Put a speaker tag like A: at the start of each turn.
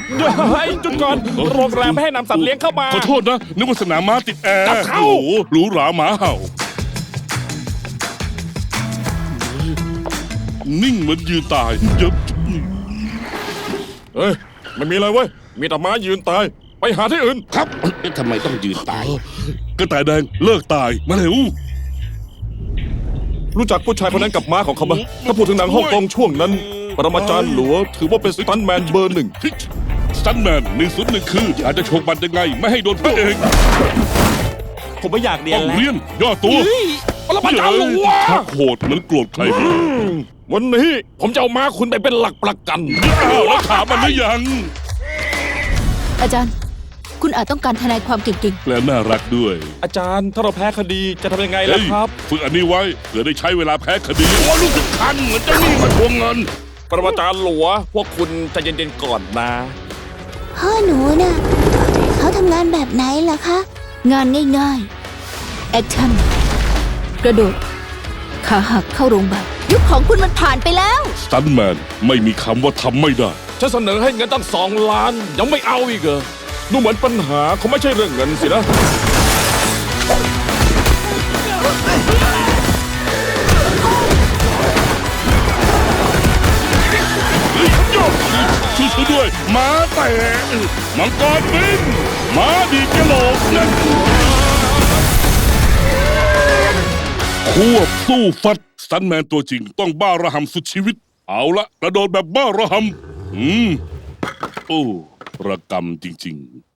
A: เฮ้ยจุดก่อนโรงแรมไม่ให้นำสัตว์เลี้ยงเข้ามา
B: ขอโทษนะนึกว่าสนามม้าติดแอร์
A: จับเข้า
B: โอ้โหหรูหราหมาเห่า นิ่งเหมือนยืนตายเยอะ
A: เฮ้ยไม่มีอะไรเว้ยมีแต่ม้ายืนตายไปหาที่อื่น
C: ครับทำไมต้องยืนตาย
B: กระต่ายแดงเลิกตายมาเร็ว
A: รู้จักผู้ชายคนนั้นกับม้าของเขาไหมถ้าพูดถึงหนังฮ่องกงช่วงนั้น ปรมาจารย์หลัวถือว่าเป็นสตันท์แมนเบอร์หนึ่ง
B: สตันแมน101คืออาจจะโชกบันยังไงไม่ให้โดนพระเอก
A: ผมไม่อยากเรีย
B: ต้
A: น
B: อง
A: แล้ว
B: เรียนย่อตัว
A: ปรมาจารย์หลัว
B: ชักโหดเหมือนโกรธใคร
A: วันนี้ผมจะเอาม้าคุณไปเป็นหลักประกัน
B: อ้าวแล้วถามมันหรือยัง
D: อาจารย์ คุณอาจต้องการทนายความเก่ง
B: และน่ารักด้วย
A: อาจารย์ถ้าเราแพ้คดีจะทำยังไงล่ะครับ
B: ฝึกอันนี้ไว้เผื่อได้ใช้เวลาแพ้คดีโอ้รู้สึกคันเหมือนเจ้าหนี้มาทวงเงิน
A: ปรมาจารย์หลัวพวกคุณใจเย็นๆก่อนนะ
E: พ่อหนูน่ะเขาทำงานแบบไหนล่ะคะ
D: ๆ งานง่ายๆ แอคชั่น กระโดด ขาหักเข้าโรงพยาบาลยุคของคุณมันผ่านไปแล้ว
B: สตันแมนไม่มีคำว่าทำไม่ได้
A: ฉันเสนอให้เงินตั้ง2 ล้านยังไม่เอาอีกเหรอดูเหมือนปัญหาเขาไม่ใช่เรื่องเงินสินะ
B: ช่วยด้วยหมาแตะมังกรบินหมาดีกระโหลกนั่นควบสู้ฟัดสตันแมนตัวจริงต้องบ้าระห่ำสุดชีวิต เอาละกระโดดแบบบ้าระห่ำโอ้ระกำจริงๆ